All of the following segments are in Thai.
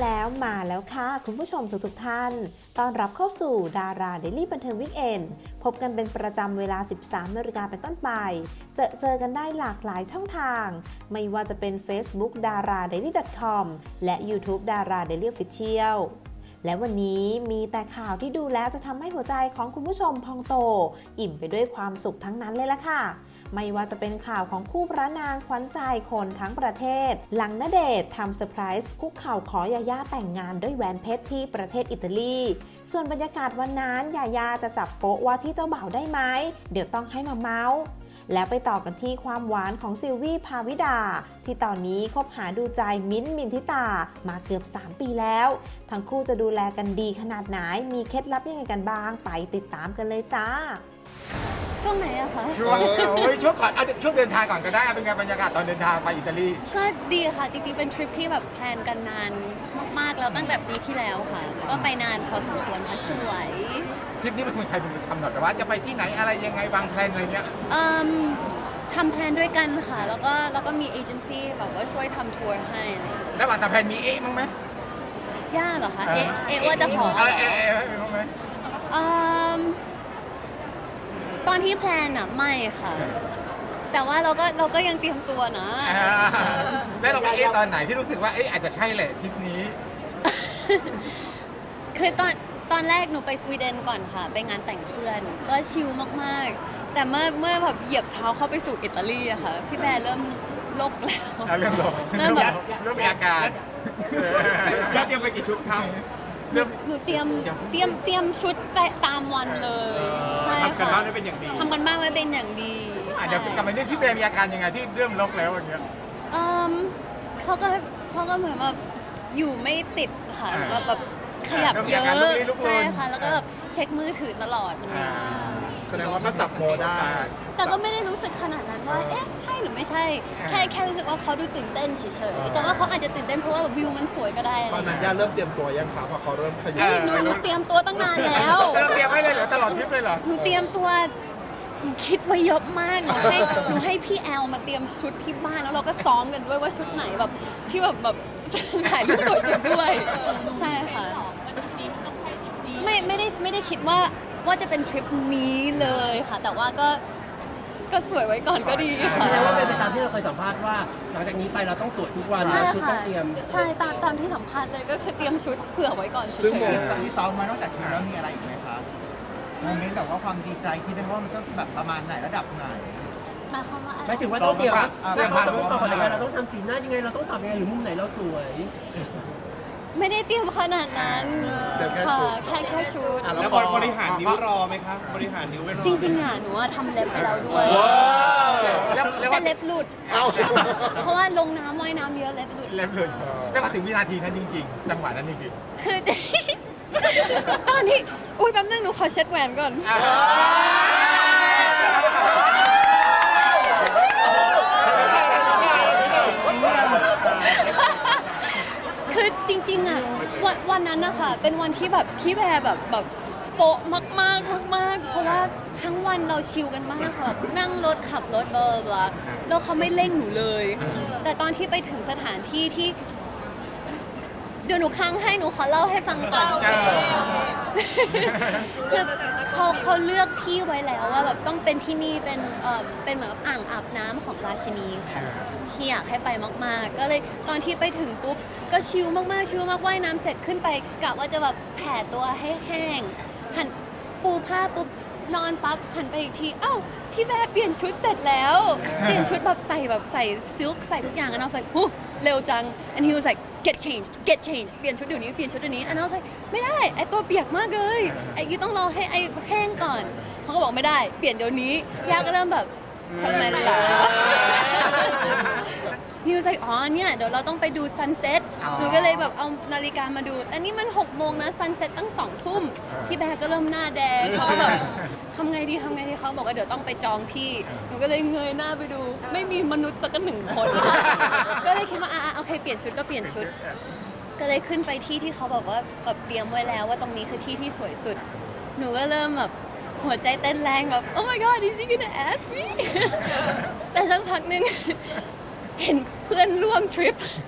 แล้วค่ะคุณผู้ชมทุกท่านต้อนรับเข้าสู่ดาราเดลี่บันเทิงวีคเอนด์พบกันเป็นประจำเวลา 13 นาฬิกาเป็นต้นไปเจอกันได้หลากหลายช่องทางไม่ว่าจะเป็น Facebook daradaily.com และ YouTube Dara Daily Official และวันนี้มีแต่ข่าวที่ดูแล้วจะทำให้หัวใจของคุณผู้ชมพองโตอิ่มไปด้วยความสุขทั้งนั้นเลยล่ะค่ะไม่ว่าจะเป็นข่าวของคู่พระนางขวัญใจคนทั้งประเทศหลังณเดชน์ทำเซอร์ไพรส์คุกเข่าขอยาย่าแต่งงานด้วยแหวนเพชรที่ประเทศอิตาลีส่วนบรรยากาศวันนั้นยาย่าจะจับโป๊ะว่าที่เจ้าบ่าวได้ไหมเดี๋ยวต้องให้มาเมาส์แล้วไปต่อกันที่ความหวานของซิลวี่ภาวิดาที่ตอนนี้คบหาดูใจมิ้นท์มินทิตามาเกือบ3 ปีแล้วทั้งคู่จะดูแลกันดีขนาดไหนมีเคล็ดลับยังไงกันบ้างไปติดตามกันเลยจ้าช่วงไหนอะคะช่วงก่อนช่วงเดินทางก่อนก็ได้เป็นไงบรรยากาศตอนเดินทางไปอิตาลีก็ดีค่ะจริงๆเป็นทริปที่แบบแพลนกันนานมากๆแล้วตั้งแต่ปีที่แล้วค่ะก็ไปนานพอสมควรค่ะสวยทริปนี้เป็นคนใครเป็นคนกำหนดว่าจะไปที่ไหนอะไรยังไงวางแผนอะไรเงี้ยทำแพลนด้วยกันค่ะแล้วก็มีเอเจนซี่แบบว่าช่วยทำทัวร์ให้อะไรแล้วหลังจากแผนมีมั้งไหมย่าเหรอคะว่าจะขอมั้งไหมตอนที่แพลนอะไม่ค่ะแต่ว่าเราก็ยังเตรียมตัวนะแล้วเราไปตอนไหนที่รู้สึกว่าอาจจะใช่แหละทริปนี้คือตอนแรกหนูไปสวีเดนก่อนค่ะไปงานแต่งเพื่อนก็ชิลมากๆแต่เมื่อแบบเหยียบเท้าเข้าไปสู่อิตาลีอะค่ะพี่แบร์เริ่มโลกแล้วเริ่มโลกเริ่มมีอาการเตรียมไปกี่ชุดครับหนูเตรียมชุดไปตามวันเลยใช่ค่ะทำกันบ้านไว้เป็นอย่างดีเดี๋ยวกลับไปนี่พี่แบร์มีอาการยังไงที่เริ่มลกแล้วอย่างเงี้ยเขาก็เหมือนแบบอยู่ไม่ติดค่ะแบบขยับเยอะใช่ค่ะแล้วก็แบบเช็คมือถือตลอดแสดงว่าก็จับโมได้แต่ก็ไม่ได้รู้สึกขนาดนั้นว่าใช่หรือไม่ใช่แค่รู้สึกว่าเขาดูตื่นเต้นเฉยๆแต่ว่าเขาอาจจะตื่นเต้นเพราะว่าวิวมันสวยก็ได้ตอนนั้นย่าเริ่มเตรียมตัวยังครับพอเขาเริ่มขยับหนูเตรียมตัวตั้งนานแล้วเตรียมไว้เลยเหรอตลอดทริปเลยเหรอหนูเตรียมตัวคิดไว้เยอะมากหนูให้พี่แอลมาเตรียมชุดที่บ้านแล้วเราก็ซ้อมกันด้วยว่าชุดไหนแบบที่แบบถ่ายรูปสวยสุดด้วยใช่ค่ะไม่ได้คิดว่าจะเป็นทริปนี้เลยค่ะแต่ว่าก็สวยไว้ก่อนก็ดีค่ะแสดงว่าเป็นไปตามที่เราเคยสัมภาษณ์ว่าหลังจากนี้ไปเราต้องสวยทุกวันชุดต้องเตรียมใช่ตามที่สัมภาษณ์เลยก็คือเตรียมชุดเผื่อไว้ก่อนเฉยๆซึ่งที่ซ้อมมานอกจากชุดแล้วมีอะไรอีกไหมครับโมเมนต์แบบว่าความดีใจคิดได้ว่ามันต้องแบบประมาณไหนระดับไหนหมายถึงว่าต้องเตรียมเราต้องตอบยังไงเราต้องทำสีหน้ายังไงเราต้องตอบยังไงหรือมุมไหนเราสวยไม่ได้เตรียมขนาดนั้นค่ะแค่ชุดแล้วบริหารนิ้วรอไหมคะบริหารนิ้วไม่รอจริงๆหนูว่าทำเล็บไปแล้วด้วยแต่เล็บหลุดเพราะว่าลงน้ำว่ายน้ำเยอะเล็บหลุดแล้วมาถึงวินาทีนั้นจริงๆจังหวะนั้นจริงๆคือตอนที่แป๊บนึงหนูขอเช็ดแหวนก่อนคือจริงๆวันนั้นนะคะเป็นวันที่แบบพี่แพรแบบโป๊ะมากเพราะว่าทั้งวันเราชิลกันมากค่ะนั่งรถขับรถแล้วเขาไม่เร่งหนูเลยแต่ตอนที่ไปถึงสถานที่ที่เดี๋ยวหนูค้างให้หนูขอเล่าให้ฟังก่อนคือเขาเลือกที่ไว้แล้วว่าแบบต้องเป็นที่นี่เป็นเหมือนอ่างอาบน้ำของราชินีค่ะที่อยากให้ไปมากๆก็เลยตอนที่ไปถึงปุ๊บก็ชิลมากว่ายน้ำเสร็จขึ้นไปกะว่าจะแบบแผ่ตัวให้แห้งหันปูผ้าปุ๊บนอนปั๊บหันไปอีกทีอ้าวพี่แบร์เปลี่ยนชุดเสร็จแล้วเปลี่ยนชุดแบบใส่ซิลค์ใส่ทุกอย่างand I was likeเร็วจัง and he was like get changed เปลี่ยนชุดเดี๋ยวนี้and I was like ไม่ได้ไอตัวเปียกมากเลยไอยูต้องรอให้ไอแห้งก่อนเขาก็บอกไม่ได้เปลี่ยนเดี๋ยวนี้ย่าก็เริ่มแบบทำไมล่ะนิวส์อ๋อเนี่ยเดี๋ยวเราต้องไปดูซันเซ็ตหนูก็เลยแบบเอานาฬิกามาดูอันนี้มัน6 โมงนะซันเซ็ตตั้ง2 ทุ่มพี่แบร์ก็เริ่มหน้าแดงเขาก็แบบทำไงดีเขาบอกว่าเดี๋ยวต้องไปจองที่หนูก็เลยเงยหน้าไปดูไม่มีมนุษย์สัก1 คนก็เลยคิดว่าโอเคเปลี่ยนชุดก็เปลี่ยนชุดก็เลยขึ้นไปที่เขาบอกว่าแบบเตรียมไว้แล้วว่าตรงนี้คือที่สวยสุดหนูก็เริ่มแบบหัวใจเต้นแรงแบบ oh my god is he gonna ask me แต่สักพักนึงเห็นเพื่อนร่วมทริปท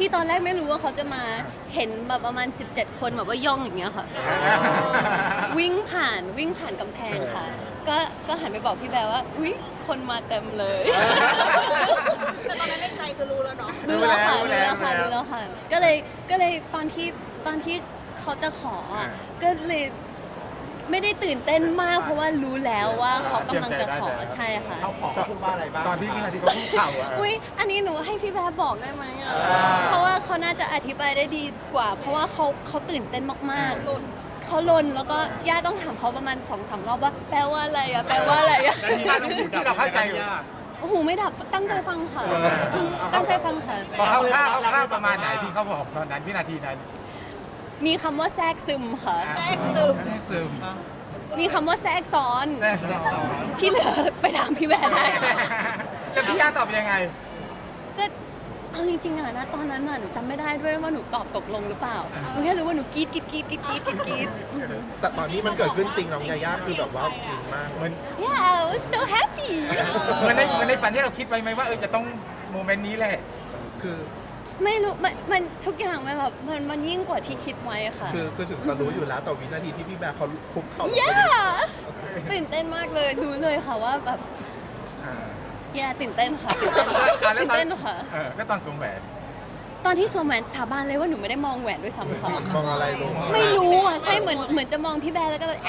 ที่ตอนแรกไม่รู้ว่าเขาจะมาเห็นแบบประมาณ 17 คนแบบว่าย่องอย่างเงี้ยค่ะ วิ่งผ่านกำแพงค่ะ ก็หันไปบอกพี่แบร์ว่าอุ๊ยคนมาเต็มเลยแต่ตอนนั้นในใจคือรู้แล้วเนาะรู้แล้วค่ะ ก็เลยตอนที่เขาจะขออะก็เลยไม่ได้ตื่นเต้นมากเพราะว่ารู้แล้วว่าเขากำลังจะขอใช่ค่ะเขาขอพูดว่าอะไรบ้างตอนที่วินาทีเขาพูดข่าวอะอุ้ยอันนี้หนูให้พี่แบร์บอกได้ไหมอะอ่าเพราะว่าเขาน่าจะอธิบายได้ดีกว่า เพราะว่าเขาตื่นเต้นมากๆเขาลนแล้วก็ย่าต้องถามเขาประมาณ 2-3 รอบว่าแปลว่าอะไรอะแปลว่าอะไรอะที่เราเข้าใจอยู่โอ้โหไม่ดับตั้งใจฟังค่ะตั้งใจฟังค่ะพอเขาข้าวประมาณไหนที่เขาบอกตอนนั้นวินาทีนั้นมีคำว่าแทรกซึมค่ะแทรกซึมมีคำว่าแทรกซ้อนแทรกซึมที่เหลือไปถามพี่แบร์ได้ค่ะแล้วพี่ย่าตอบยังไงก็เอาจริงๆอะนะตอนนั้นน่ะหนูจำไม่ได้ด้วยว่าหนูตอบตกลงหรือเปล่าหนูแค่รู้ว่าหนูกรี๊ดอือหือแต่ตอนนี้มันเกิดขึ้นจริงน้องยาย่าคือแบบว่าจริงมากเหมือน Yeah I was so happy เหมือนในฝันที่เราคิดไว้ไหมว่าจะต้องโมเมนต์นี้แหละคือไม่รู้มันทุกอย่างมันแบบมันยิ่งกว่าที่คิดไว้อะค่ะคือถึงจะรู้อยู่แล้วแต่วินาทีที่พี่แบร์เขาคุกเข่าลงไป Yeah ตื่นเต้นมากเลยรู้เลยค่ะว่าแบบ Yeah ตื่นเต้นค่ะตื่นเต้นค่ะก็ตอนสวมแหวนตอนที่สวมแหวนสาบานเลยว่าหนูไม่ได้มองแหวนด้วยซ้ำค่ะมองอะไรลงไม่รู้อ่ะใช่เหมือนจะมองพี่แบร์แล้วก็แบบ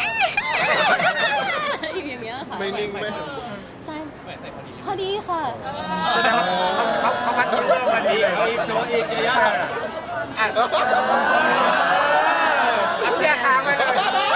อยู่อย่างเงี้ยค่ะไม่นิ่งไหมใช่พอดีค่ะแสดงว่าเขาพัดเรื่องมาดีเลยโชว์อีกยาย่าเทียค้างไปเลย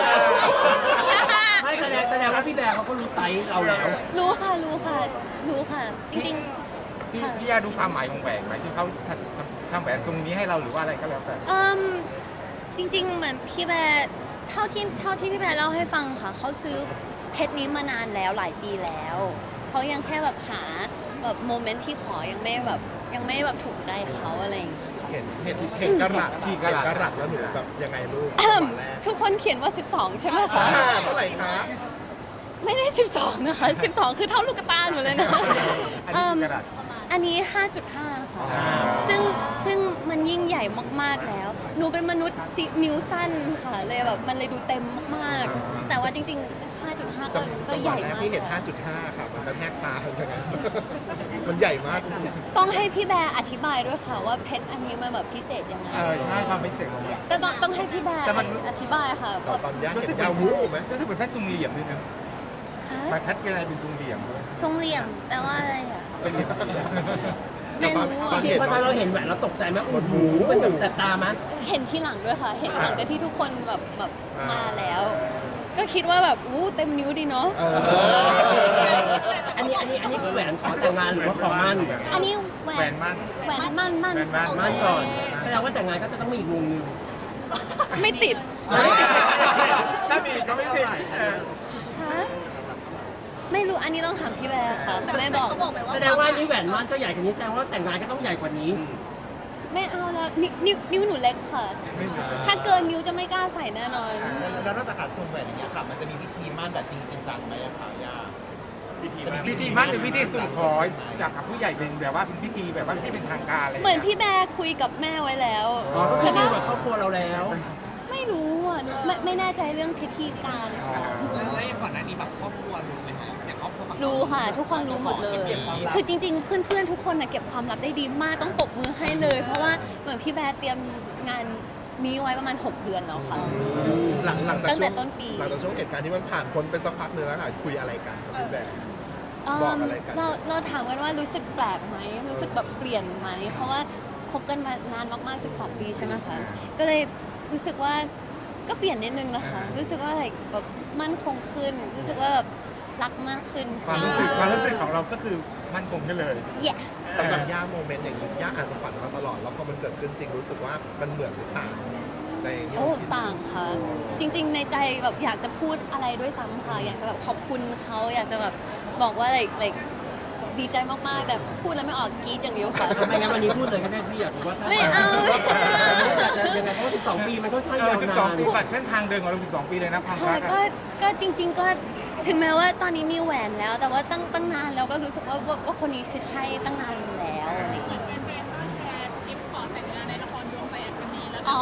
ไม่แสดงว่าพี่แบร์เขาก็รู้ไซส์เราแล้วรู้ค่ะจริงๆค่ะพี่ย่าดูความหมายของแหวนไหมที่เขาทำแหวนทรงนี้ให้เราหรือว่าอะไรก็แล้วแต่จริงๆเหมือนพี่แบร์เท่าที่พี่แบร์เล่าให้ฟังค่ะเขาซื้อเพชรนี้มานานแล้วหลายปีแล้วเขายังแค่แบบหาแบบโมเมนต์ที่ขอยังไม่แบบถูกใจเขาอะไรอย่างเงี้ยค่ะเห็นกระรัตแล้วหนูแบบยังไงลูกทุกคนเขียนว่า 12 ใช่ไหมคะเท่าไหร่คะไม่ได้ 12 นะคะ 12 คือเท่าลูกตาหนูเลยนะ อันนี้ 5.5 ค่ะ ซึ่งมันยิ่งใหญ่มากๆแล้ว หนูเป็นมนุษย์นิ้วสั้นค่ะ เลยแบบมันเลยดูเต็มมากๆ แต่ว่าจริงๆ 5.5 ก็จังหใหวะญ่แรกมากที่เห็น 5.5 ค่ะ มันกระแทกตาเหมือนกันมันใหญ่มากต้องให้พี่แบร์อธิบายด้วยค่ะว่าเพชรอันนี้มันแบบพิเศษยังไงใช่ความไม่เสร็จของมันแต่ต้องให้พี่แบร์แต่มันอธิบายค่ะตอนย่าเห็นยาวูบไหมรู้สึกเป็นแพทย์ทรงเหลี่ยมด้วยนะคะแพทย์เป็นอะไรเป็นทรงเหลี่ยมด้วยทรงเหลี่ยมแปลว่าอะไรอ่ะเป็นเหลี่ยมไม่รู้ตออะนจริงๆพอตอนเราเห็นแหวนเราตกใจไหมโอ้โหมันแบบแสบตามั้ยเห็นที่หลังด้วยค่ะ เห็นหลังจากที่ทุกคนแบบมาแล้ว ก็คิดว่าแบบอู้เต็มนิ้วดีเนาะอันนี้คือแหวนขอแต่งงานหรือว่าขอมั่นอันนี้แหวแหวน นมั่นแหวนมั่นแหวนมั่นมั่นก่อน แสดงว่าแต่งงานก็จะต้องมีอีกวงหนึงไม่ติดถ้ามีก็ไม่ผิดคะไม่รู้อันนี้ต้องถามพี่แบร์ค่ะไม่บอกแสดงว่านี่แหวนมั่นก็ใหญ่กว่านี้แสดงว่าแต่งงานก็ต้องใหญ่กว่านี้ไม่เอาแล้วนิ้วหนูเล็กค่ะ ถ้าเกินนิ้วจะไม่กล้าใส่แน่นอนแล้วนอกจากการชมแหวนอย่างเงี้ยค่ะ มันจะมีพิธีมั่นแบบจริงจังไหมอะคะย่าพิธีมั่นหรือพิธีสู่ขอจากกับผู้ใหญ่เป็นแบบว่าเป็นพิธีแบบว่าที่เป็นทางการอะไรเหมือนพี่แบร์คุยกับแม่ไว้แล้วอ๋อ ก็คือใช่ดีปะกว่าครอบครัวเราแล้วไม่รู้อ่ะหนูไม่แน่ใจเรื่องพิธีการค่ะแล้วอย่างก่อนหน้านี้แบบครอบครัวรู้ไหมฮะอย่างครอบครัวฝั่งรู้ค่ะ ทุกคนรู้หมดเลย คือจริง ๆ เพื่อนๆทุกคนนะเก็บความลับได้ดีมากต้องปรบมือให้เลย เพราะว่าเหมือนพี่แบร์เตรียมงานนี้ไว้ประมาณ 6 เดือนแล้วค่ะหลังจากตั้งแต่ช่วงต้นปีหลังจากช่วงเหตุการณ์ที่มันผ่านพ้นไปสักพักนึงแล้วค่ะคุยอะไรกันกับพี่แบร์ บอกอะไรกันเราถามกันว่ารู้สึกแปลกไหมรู้สึกแบบเปลี่ยนไหมเพราะว่าคบกันมานานมากๆ12 ปีใช่ไหมคะก็เลยรู้สึกว่าก็เปลี่ยนนิดนึงนะคะ รู้สึกว่าแบบมั่นคงขึ้น รู้สึกว่าแบบรักมากขึ้นความรู้สึกของเราก็คือมั่นคงกันเลยแย่สำหรับย่าโมเมนต์อย่างนี้ย่าอาจจะฝันมาตลอดแล้วพอมันเกิดขึ้นจริงรู้สึกว่ามันเหมือนหรือต่างในที่โอ้เราคิดต่างค่ะ จริง ๆ ในใจแบบอยากจะพูดอะไรด้วยซ้ำค่ะอยากจะแบบขอบคุณเขาอยากจะแบบบอกว่าดีใจมากๆแต่พูดแล้วไม่ออกกรี๊ดอย่างเดียวค่ะไม่งั้นวันนี้พูดเลยก็ได้พี่อยากรู้ว่าถ้าไม่เอาจะยังไงเพราะว่า12 ปีมันค่อนข้างยาวนาน 12 ปีบัตรเส้นทางเดินของเรา12 ปีเลยนะความค่ะรักก็จริง ๆ ก็ถึงแม้ว่าตอนนี้มีแหวนแล้ว แต่ว่าตั้งนานแล้วก็รู้สึกว่าคนนี้คือใช่ตั้งนานแล้วอะไรอย่างเงี้ยอ๋อ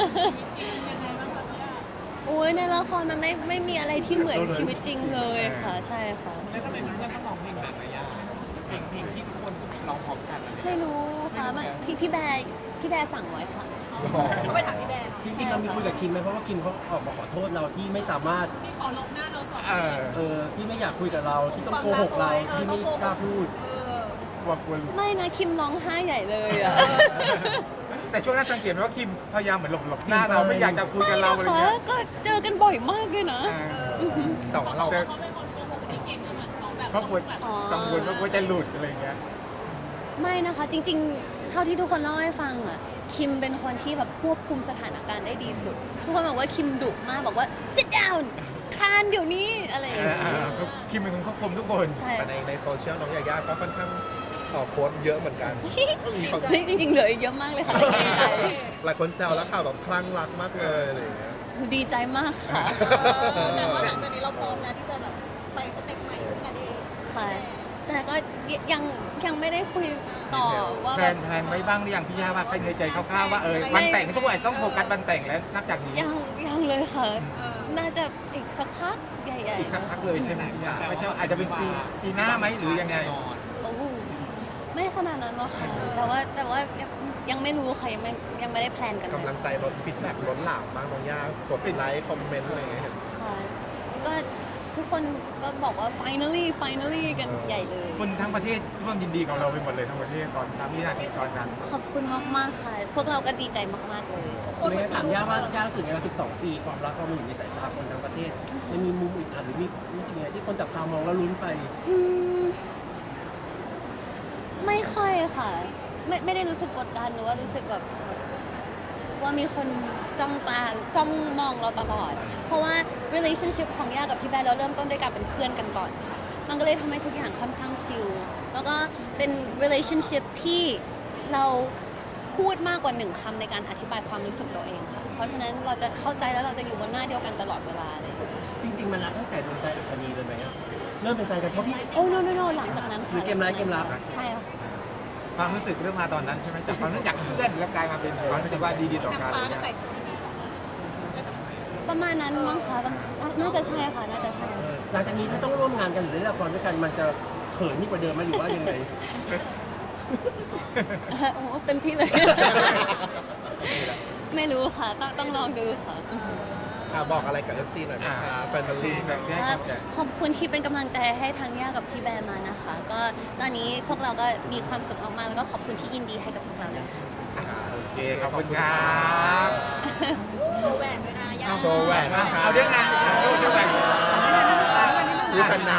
อุ้ยในละครมันไม่มีอะไรที่เหมือนชีวิตจริงเลยค่ะ ใช่ค่ะแล้วทำไมเพื่อนๆต้องร้องเพลงแบบระยะเพลงที่ทุกคนร้องพร้อมกันอะไรไม่รู้ค่ะมันพี่แบร์สั่งไว้ค่ะก็ไปถามพี่แบร์จริงๆเรามีคุยกับคิมไหมเพราะว่าคิมเขาออกมาขอโทษเราที่ไม่สามารถขอลบหน้าเราสองที่ไม่อยากคุยกับเราที่ต้องโกหกเราที่ไม่กล้าพูดว่าควรไม่นะคิมร้องไห้ใหญ่เลยอะแต่ช่วงนั้นสังเกตไหมว่าคิมพยายามเหมือนหลบหน้าเราไม่อยากจะคุยกับเราอะไรค่ะเงี้ยก็เจอกันบ่อยมากเลยนะแต่ว่าเราเขาเป็นคนโกหกไม่เก่งเหมือนเขาแบบเพราะกลัวกังวลว่ากลัวจะหลุดอะไรเงี้ยไม่นะคะ จริงๆ เท่าที่ทุกคนเล่าให้ฟังอะคิมเป็นคนที่แบบควบคุมสถานการณ์ได้ดีสุด ทุกคนบอกว่าคิมดุมากบอกว่า sit down คานเดี๋ยวนี้อะไรอย่างเงี้ยคิมเป็นคนควบคุมทุกคนใช่แต่ในโซเชียลน้องยาย่าก็ค่อนข้างโพสต์เยอะเหมือนกันมีคนจริงๆเหลืออีกเยอะมากเลยค่ะแต่เกรงใจหลายคนแซวแล้วค่ะแบบคลั่งรักมากเลยอะไรอย่างเงี้ยดีใจมากค่ะแต่ว่าหลังจากนี้เราพร้อมแล้วที่จะแบบไปสเต็ปใหม่ด้วยกันเองค่ะ แต่ก็ยังไม่ได้คุยต่อว่าแพลนไว้บ้างหรือยังพี่ย่าว่าใครในใจคร่าวๆว่าวันแต่งทุกวันต้องโฟกัสวันแต่งแล้วนับจากนี้ยังเลยค่ะ น่าจะอีกสักพักใหญ่อีกสักพักเลยใช่ไหมพี่ย่าไม่ใช่อาจจะเป็นปีหน้าไหมหรือยังไงๆโอ้ไม่ขนาดนั้นหรอกค่ะแต่ว่ายังไม่รู้ค่ะยังไม่ได้แพลนกันเลยกำลังใจล้นฟีดแบ็กล้นหลามมากน้องย่ากดไลค์คอมเมนต์อะไรอย่างเงี้ยค่ะก็ทุกคนก็บอกว่า finally กันใหญ่เลยคนทั้งประเทศร่วมยินดีกับเราไปหมดเลยทั้งประเทศตอนนั้นที่นาทีตอนนั้นขอบคุณมากๆค่ะ พวกเราก็ดีใจมากๆเลยไม่งั้นถามย่าว่าย่ารู้สึกไงว่า12 ปีความรักเรามันอยู่ในสายตาคนทั้งประเทศมันมีมุมอื่นหรือมีรู้สึกไงที่คนจับตามองแล้วลุ้นไปไม่ค่อยค่ะ ไม่ได้รู้สึกกดดันหรือว่ารู้สึกแบบว่ามีคนจ้องมองเราตลอด เพราะว่า relationship ของย่ากับพี่แบร์เราเริ่มต้นด้วยการเป็นเพื่อนกันก่อนค่ะมันก็เลยทำให้ทุกอย่างค่อนข้างชิลแล้วก็เป็น relationship ที่เราพูดมากกว่าหนึ่งคำในการอธิบายความรู้สึกตัวเองค่ะเพราะฉะนั้นเราจะเข้าใจแล้วเราจะอยู่บนหน้าเดียวกันตลอดเวลาเลยจริงๆมันรักตั้งแต่ดวงใจอัคนีเลยไหมอะเริ่มเป็นแฟนกันเพราะพี่โอ้ no หลังจากนั้นมีค่ะเกมร้ายเกมรับใช่ค่ะความรู้สึกเริ่มมาตอนนั้นใช่ไหมจากความรู้สึกจากเพื่อนแล้วกลายมาเป็นความรู้สึกว่าดีต่อกันฟ้าก็ใส่ชุดประมาณนั้นมั้งคะน่าจะใช่ค่ะน่าจะใช่หลังจากนี้ถ้าต้องร่วมงานกันหรือเล่นละครด้วยกันมันจะเขินยิ่งกว่าเดิมไหมหรือว่ายังไงโอ้เต็มที่เลย ไม่รู้ค่ะ ต้องลองดูค่ะบอกอะไรกับ FC หน่อยนะคะแฟนบอลลีนะขอบคุณที่เป็นกำลังใจให้ทั้งย่ากับพี่แบร์มานะคะ ก็ตอนนี้พวกเราก็มีความสุขมากๆแล้วก็ขอบคุณที่ยินดีให้กับพวกเราด้วยค่ะโอเคขอบคุณครับโชว์แหวนด้วยนะยาโชว์แหวนนะคะเอาด้วยงานด้วยงานผู้ชนะ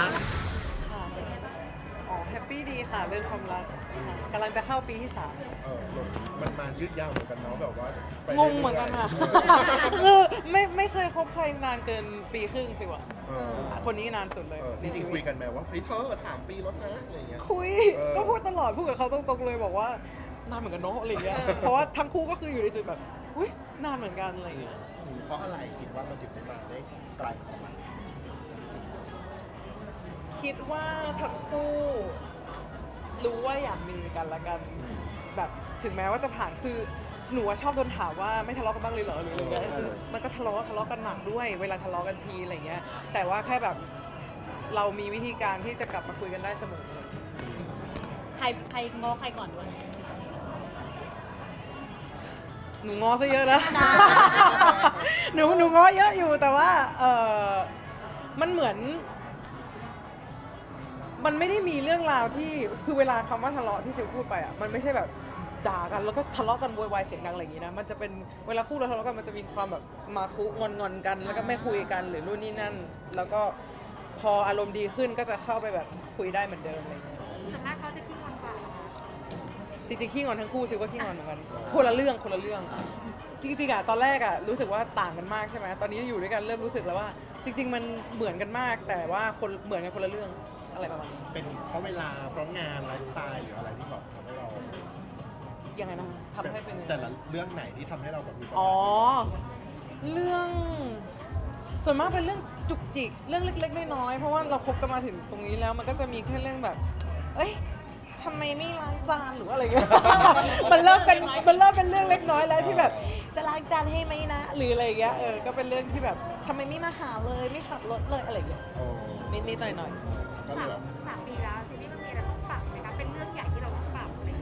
อ๋อแฮปปี้ดีค่ะเรื่องความรักค่ะกำลังจะเข้าปีที่มันมายืดยาวเหมือนกันเนาะแบบว่าไป 3 งงเหมือนกันค่ะ คือไม่เคยคบใครนานเกินปีครึ่งสิวะคนนี้นานสุดเลยจริงๆคุยกันไหมว่าเฮ้ยเธอ3 ปีแล้วนะอะไรอย่างเงี้ยคุยก็พูดตลอดพูดกับเขาตรงๆเลยบอกว่านานเหมือนกันเนาะอะไรอย่างเงี้ยเพราะว่าทั้งคู่ก็คืออยู่ในจุดแบบอุ้ยนานเหมือนกันอะไรอย่างเงี้ยเพราะอะไรคิดว่ามันถึงได้มาได้ไกลขนาดนั้นคิดว่าทั้งคู่รู้ว่าอยากมีกันละกันแบบถึงแม้ว่าจะผ่านคือหนูว่าชอบโดนถามว่าไม่ทะเลาะกันบ้างเลยเหรอหรืออะไรเงี้ยคือมันก็ทะเลาะกันหนักด้วย เวลาทะเลาะกันทีอะไรเงี้ยแต่ว่าแค่แบบเรามีวิธีการที่จะกลับมาคุยกันได้เสมอใครง้อใครก่อนด้วยหนูง้อซะเยอะนะ หนูง้อเยอะอยู่แต่ว่ามันเหมือนมันไม่ได้มีเรื่องราวที่คือเวลาคำว่าทะเลาะที่ซิลพูดไปอ่ะมันไม่ใช่แบบด่ากันแล้วก็ทะเลาะกันโวยวายเสียงดังอะไรอย่างงี้นะมันจะเป็นเวลาคู่เราทะเลาะกันมันจะมีความแบบมาคุงอนกันแล้วก็ไม่คุยกันหรือนู่นนี่นั่นแล้วก็พออารมณ์ดีขึ้นก็จะเข้าไปแบบคุยได้เหมือนเดิมอะไรอย่างเงี้ยส่วนมากเขาจะขี้งอนกว่าจริงๆขี้งอนทั้งคู่ซิลก็ขี้งอนเหมือนกันคนละเรื่องจริงๆอะตอนแรกอะรู้สึกว่าต่างกันมากใช่ไหมตอนนี้อยู่ด้วยกันเริ่มรู้สึกแล้วว่า จริง ๆ มันเหมือนกันมากแต่ว่าคนเหมือนกันคนละเรื่องอะไรประมาณนี้เป็นเพราะเวลาเพราะงานไลฟ์สไตล์หรืออะไรที่แบบทำให้เรายังไงนะทำให้เป็นแต่ละเรื่องไหนที่ทำให้เราแบบมีปัญอ๋อหาเรื่องส่วนมากเป็นเรื่องจุกจิกเรื่องเล็กๆน้อยๆเพราะว่าเราคบกันมาถึงตรงนี้แล้วมันก็จะมีแค่เรื่องแบบ เอ้ยททำไมไม่ล้างจานหรืออะไรเงี้ย มันเริ่มเป็นเรื่องเล็กน้อยแล้วที่แบบจะล้างจานให้ไหมนะหรืออะไรเงี้ยก็เป็นเรื่องที่แบบทำไมไม่มาหาเลยไม่ขับรถเลยอะไรเงี้ยนิดๆหน่อยก็เลยแบบ 3 ปีแล้วทีนี้มันมีอะไรต้องปรับไหมคะเป็นเรื่องใหญ่ที่เราต้องปรับไหม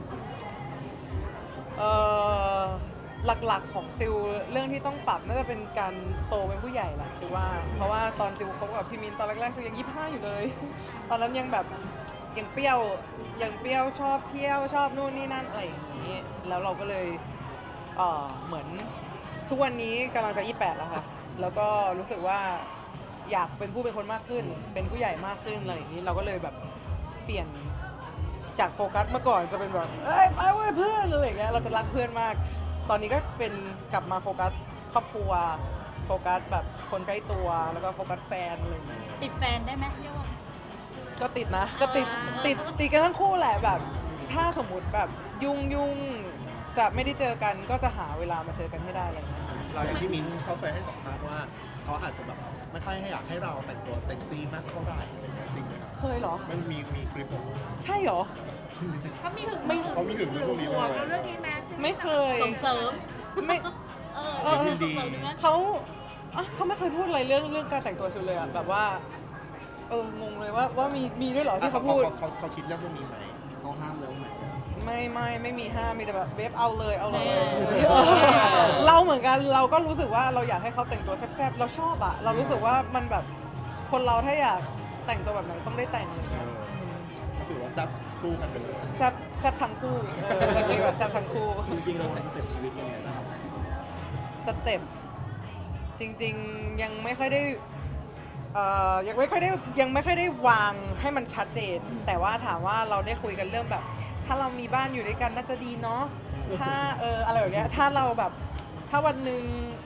หลักๆของซิลเรื่องที่ต้องปรับน่าจะเป็นการโตเป็นผู้ใหญ่แหละคือว่าเพราะว่าตอนซิลคบกับพี่มินตอนแรกๆซิลยัง25อยู่เลย ตอนนั้นยังแบบยังเปรี้ยวชอบเที่ยวชอบนู่นนี่นั่นอะไรอย่างนี้แล้วเราก็เลยเหมือนทุกวันนี้กำลังจะ28แล้วค่ะแล้วก็รู้สึกว่าอยากเป็นผู้เป็นคนมากขึ้น เป็นผู้ใหญ่มากขึ้นอะไรอย่างนี้เราก็เลยแบบเปลี่ยนจากโฟกัสเมื่อก่อนจะเป็นแบบเอ้ยไปเว้ยเพื่อนอะไรอย่างเงี้ยเราจะรักเพื่อนมากตอนนี้ก็เป็นกลับมาโฟกัสครอบครัวโฟกัสแบบคนใกล้ตัวแล้วก็โฟกัสแฟนอะไรอย่างเงี้ยติดแฟนได้ไหมเรียกว่าก็ติดนะก็ติดกันทั้งคู่แหละแบบถ้าสมมุติแบบยุ่งจะไม่ได้เจอกันก็จะหาเวลามาเจอกันให้ได้อะไรอย่างเงี้ยเราอย่างที่มิ้นเขาเคยให้สัมภาษณ์ว่าเขาอาจจะแบบไม่ค่อยให้อยากให้เราแต่งตัวเซ็กซี่มากเท่าไหร่อะไรเงี้ยจริงไหมครับเคยเหรอมันมีคลิปออกมาใช่เหรอจริงๆเขามีถึงเขามีถึงเรื่องพวกนี้ไหมเรื่องนี้แม้ไม่เคยส่งเสริมไม่ยินดีเขาไม่เคยพูดอะไรเรื่องการแต่งตัวซิลเลยอะแบบว่างงเลยว่ามีด้วยเหรอที่เขาพูดเขาคิดเรื่องพวกนี้ไหมเขาห้ามแล้วไหมไม่มีห้ามมีแต่แบบเบฟเอาเลย เราเหมือนกันเราก็รู้สึกว่าเราอยากให้เขาแต่งตัวแซ่บๆเราชอบอะเรารู้สึกว่ามันแบบคนเราถ้าอยากแต่งตัวแบบไหนต้องได้แต่งเลยก็ถือว่าแซ่บสู้กันไปเลยแซ่บทั้งคู่เรียกว่าแซ่บทั้งคู่จริงๆเราสเต็ปชีวิตยังไงบ้างสเต็ปจริงๆยังไม่ค่อยได้ยังไม่ค่อยได้วางให้มันชัดเจน แต่ว่าถามว่าเราได้คุยกันเรื่องแบบ ถ้าเรามีบ้านอยู่ด้วยกันน่าจะดีเนาะถ้าอะไรแบบเนี้ยถ้าเราแบบถ้าวันหนึ่ง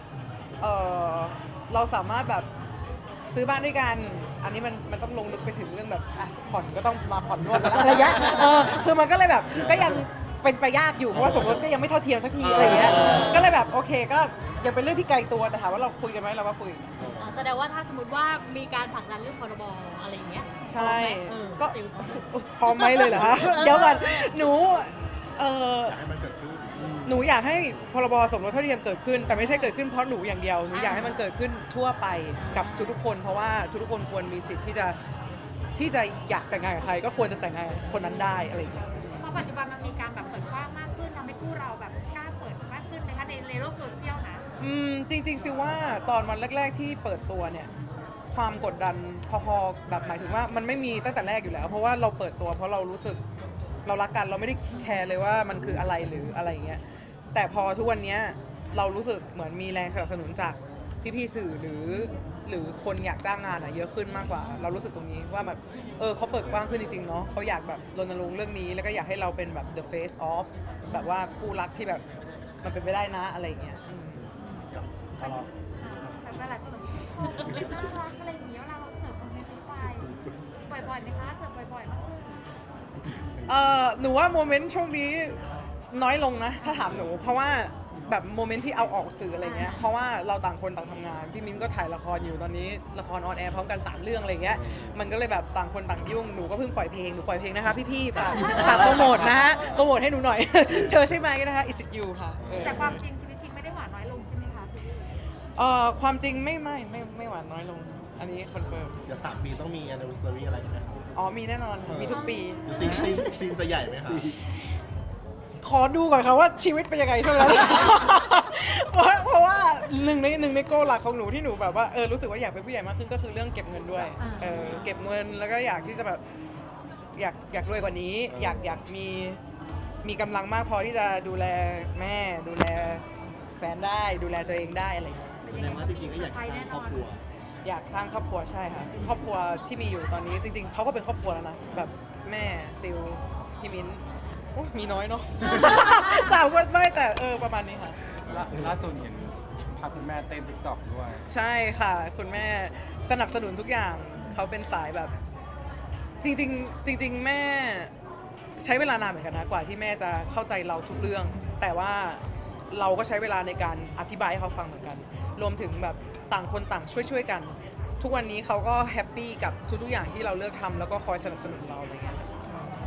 เราสามารถแบบซื้อบ้านด้วยกัน อันนี้มันต้องลงลึกไปถึงเรื่องแบบผ่อนก็ต้องมาผ่อนร่วมกันอะไรเงี้ยคือมันก็เลยแบบก็ยังเป็นไปยากอยู่เพราะว่าสมรสก็ยังไม่เท่าเทียมสักทีอะไรเงี้ยก็เลยแบบโอเคก็ยังเป็นเรื่องที่ไกลตัวแต่ถามว่าเราคุยกันไหมเราก็คุยแสดงว่าถ้าสมมติว่ามีการผลักดันเรื่องพรบอะไรอย่างเงี้ยใช่ก็พร้อมไหมเลยเหรอคะเดี๋ยวก่อนหนูอยากให้มันเกิดขึ้นหนูอยากให้พรบสมรสเท่าเทียมเกิดขึ้นแต่ไม่ใช่เกิดขึ้นเพราะหนูอย่างเดียวหนูอยากให้มันเกิดขึ้นทั่วไปกับทุกๆคนเพราะว่าทุกๆคนควรมีสิทธิ์ที่จะอยากแต่งงานกับใครก็ควรจะแต่งงานกับคนนั้นได้อะไรอย่างเงี้ยเพราะปัจจุบันมันมีการแบบเปิดกว้างมากขึ้นทำให้คู่เราแบบกล้าเปิดมากขึ้นไหมคะในโลกโซเชียลนะจริงๆซิว่าตอนวันแรกๆที่เปิดตัวเนี่ยความกดดันพอๆแบบหมายถึงว่ามันไม่มีตั้งแต่แรกอยู่แล้ว เพราะว่าเราเปิดตัวเพราะเรารู้สึกเรารักกันเราไม่ได้แคร์เลยว่ามันคืออะไรหรืออะไรอย่างเงี้ยแต่พอทุกวันนี้เรารู้สึกเหมือนมีแรงสนับสนุนจากพี่ๆสื่อหรือคนอยากจ้างงานเยอะขึ้นมากกว่า เรารู้สึกตรงนี้ว่าแบบเขาเปิดกว้างขึ้นจริงๆเนาะเขาอยากแบบรณรงค์เรื่องนี้แล้วก็อยากให้เราเป็นแบบ the face of แบบว่าคู่รักที่แบบมันเป็นไปได้นะอะไรอย่างเงี้ยกับทะเลาะแบบว่าหลายคนแบบน่ารักอะไรอย่างเงี้ยเวลาเราเสิร์ฟคนในฟรีไฟบ่อยๆไหมคะเสิร์ฟบ่อยๆมากขึ้นหนูว่าโมเมนต์ช่วงนี้น้อยลงนะถ้าถามหนูเพราะว่าแบบโมเมนต์ที่เอาออกสื่ออะไรเงี้ยเพราะว่าเราต่างคนต่างทำงานพี่มิ้นก็ถ่ายละครอยู่ตอนนี้ละครออนแอร์พร้อมกัน3เรื่องอะไรเงี้ยมันก็เลยแบบต่างคนต่างยุ่งหนูก็เพิ่งปล่อยเพลงหนูปล่อยเพลงนะคะพี่ๆฝากโปรโมทนะฮะโปรโมทให้หนูหน่อย เธอใช่ไหมนะคะ Is it you ค่ะแต่ความจริงชีวิตจริงไม่ได้หวานน้อยลงใช่ไหมคะซีรีส์ความจริงไม่หวานน้อยลงอันนี้คอนเฟิร์มเดี๋ยว3 ปีต้องมี anniversary อะไรไหมครับมีแน่นอนมีทุกปีหรือซีนจะใหญ่ไหมครับขอดูก่อนค่ะว่าชีวิตเป็นยังไงช่วงนั้น เพราะว่าหนึ่งในโกหลักของหนูที่หนูแบบว่ารู้สึกว่าอยากเป็นผู้ใหญ่มากขึ้นก็คือเรื่องเก็บเงินด้วยเก็บเงินแล้วก็อยากที่จะแบบอยากรวยกว่านี้อยากมีกำลังมากพอที่จะดูแลแม่ดูแลแฟนได้ดูแลตัวเองได้อะไรอย่างเงี้ยแสดงว่าจริงๆก็อยากสร้างครอบครัวอยากสร้างครอบครัวใช่ค่ะครอบครัวที่มีอยู่ตอนนี้จริงๆเขาก็เป็นครอบครัวแล้วนะแบบแม่ซิลพี่มิ้นโอ้ยมีน้อยเนาะ 3 คนไม่แต่ประมาณนี้ค่ะล่าสุดเห็นพาคุณแม่เต้นติ๊กต็อกด้วยใช่ค่ะ คุณแม่สนับสนุนทุกอย่างเขาเป็นสายแบบ จริงแม่ใช้เวลานานเหมือนกันนะกว่าที่แม่จะเข้าใจเราทุกเรื่อง แต่ว่าเราก็ใช้เวลาในการอธิบายให้เขาฟังเหมือนกัน รวมถึงแบบต่างคนต่างช่วยกัน ทุกวันนี้เขาก็แฮปปี้กับทุกๆอย่างที่เราเลือกทำแล้วก็คอยสนับสนุนเราอะไรเงี้ยอ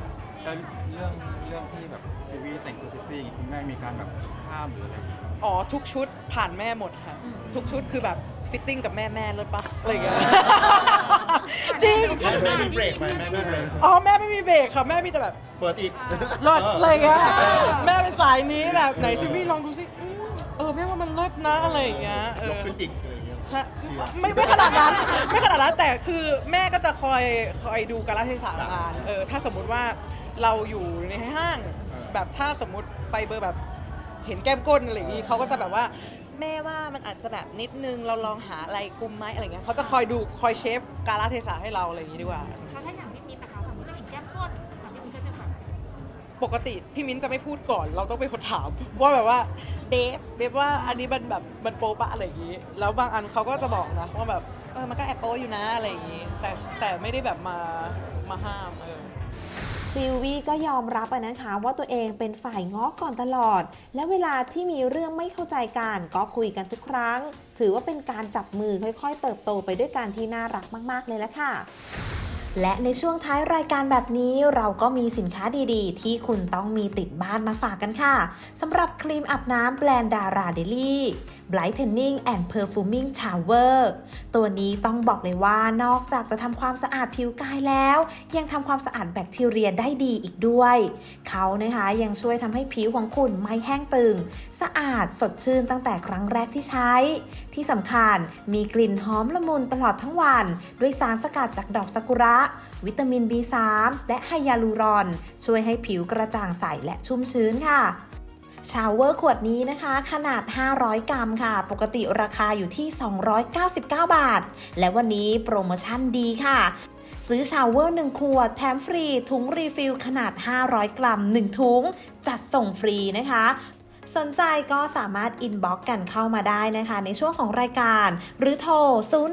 แล้วเรื่องที่แบบซีวีแต่งตัวเซ็กซี่อย่างงี้คุณแม่มีการแบบห้ามหรืออะไรอย่างงี้อ๋อทุกชุดผ่านแม่หมดค่ะ ทุกชุดคือแบบฟิตติ้งกับแม่เลิศปะอะไรอย่างเงี้ย จริงแม่มีเบรกไหมแม่มีเบรกอ๋อแม่ไม่มีเบรกค่ะแม่มีแต่แบบเปิดอีกเลิศอะไรอย่างเงี้ยแม่เป็นสายนี้แบบไหนซิวี่ลองดูสิแม่ว่ามันเลิศนะอะไรอย่างเงี้ยยกขึ้นอีกอะไรอย่างเงี้ยใช่เชียร์ไม่ขนาดนั้นไม่ขนาดนั้นแต่คือแม่ก็จะคอยดูกาลเทศะงานถ้าสมมุติว่าเราอยู่ในห้างแบบถ้าสมมุติไปเบอร์แบบเห็นแก้มก้นอะไรอย่างงี้เขาก็จะแบบว่าแม่ว่ามันอาจจะแบบนิดนึงเราลองหาอะไรคุมไหมอะไรเงี้ยเขาจะคอยดูคอยเชฟกาลเทศะให้เราอะไรอย่างงี้ดีกว่าถ้าอย่างพี่มิ้นนะคะสมมติเราเห็นแก้มก้นพี่มิ้นก็จะแบบปกติพี่มิ้นจะไม่พูดก่อนเราต้องเป็นคนถามว่าแบบว่าเดฟว่าอันนี้มันแบบมันโป๊ปะอะไรอย่างงี้แล้วบางอันเขาก็จะบอกนะว่าแบบมันก็แอบโป๊อยู่นะอะไรอย่างงี้แต่ไม่ได้แบบมาห้ามซิลวี่ก็ยอมรับนะคะว่าตัวเองเป็นฝ่ายง้อก่อนตลอด และเวลาที่มีเรื่องไม่เข้าใจกันก็คุยกันทุกครั้ง ถือว่าเป็นการจับมือค่อยๆเติบโตไปด้วยกันที่น่ารักมากๆเลยละค่ะ และในช่วงท้ายรายการแบบนี้เราก็มีสินค้าดีๆ ที่คุณต้องมีติดบ้านมาฝากกันค่ะสำหรับครีมอาบน้ำแบรนด์ดาราเดลี่ Brightening and Perfuming Shower ตัวนี้ต้องบอกเลยว่านอกจากจะทำความสะอาดผิวกายแล้วยังทำความสะอาดแบคทีเรียได้ดีอีกด้วยเขานะคะยังช่วยทำให้ผิวของคุณไม่แห้งตึงสะอาดสดชื่นตั้งแต่ครั้งแรกที่ใช้ที่สำคัญมีกลิ่นหอมละมุนตลอดทั้งวันด้วยสารสกัดจากดอกซากุระวิตามิน B3 และไฮยาลูรอนช่วยให้ผิวกระจ่างใสและชุ่มชื้นค่ะชาวเวอร์ขวดนี้นะคะขนาด500กรัมค่ะปกติราคาอยู่ที่299 บาทและวันนี้โปรโมชั่นดีค่ะซื้อชาวเวอร์1ขวดแถมฟรีถุงรีฟิลขนาด500กรัม1ถุงจัดส่งฟรีนะคะสนใจก็สามารถอินบ็อกซ์กันเข้ามาได้นะคะในช่วงของรายการหรือโทร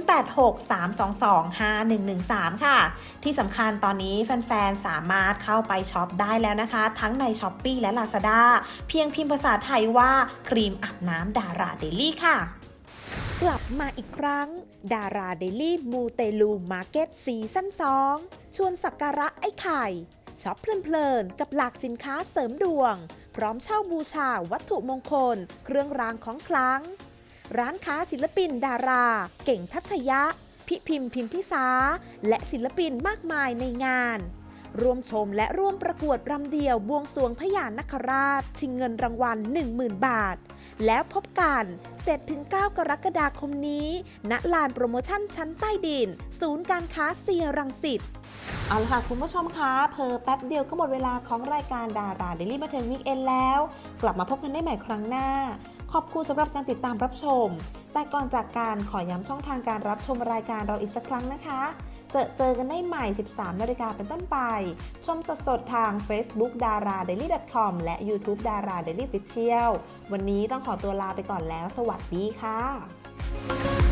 0863225113 ค่ะที่สำคัญตอนนี้แฟนๆสามารถเข้าไปช็อปได้แล้วนะคะทั้งใน Shopee และ Lazada เพียงพิมพ์ภาษาไทยว่าครีมอาบน้ำดาราเดลี่ค่ะกลับมาอีกครั้งดาราเดลี่มูเตลูมาร์เก็ตซีซั่น2ชวนสักการะไอ้ไข่ช็อปเพลินๆกับหลากสินค้าเสริมดวงพร้อมเช่าบูชาวัตถุมงคลเครื่องรางของขลังร้านค้าศิลปินดาราเก่งทัชยะพิพิมพิมพิสาและศิลปินมากมายในงานร่วมชมและร่วมประกวดรำเดี่ยวบวงสรวงพญานาคราชชิงเงินรางวัล 10,000 บาทแล้วพบกัน 7-9 กรกฎาคมนี้ณลานโปรโมชั่นชั้นใต้ดินศูนย์การค้าเซียรังสิตเอาละค่ะคุณผู้ชมคะเพิ่แป๊บเดียวก็หมดเวลาของรายการดาราเดลี่บันเทิงวีคเอนด์แล้วกลับมาพบกันได้ใหม่ครั้งหน้าขอบคุณสำหรับการติดตามรับชมแต่ก่อนจากการขอย้ำช่องทางการรับชมรายการเราอีกสักครั้งนะคะเจอกันได้ใหม่ 13 นาฬิกาเป็นต้นไปชมสดๆทาง Facebook daradaily.com และ YouTube Dara Daily Official วันนี้ต้องขอตัวลาไปก่อนแล้วสวัสดีค่ะ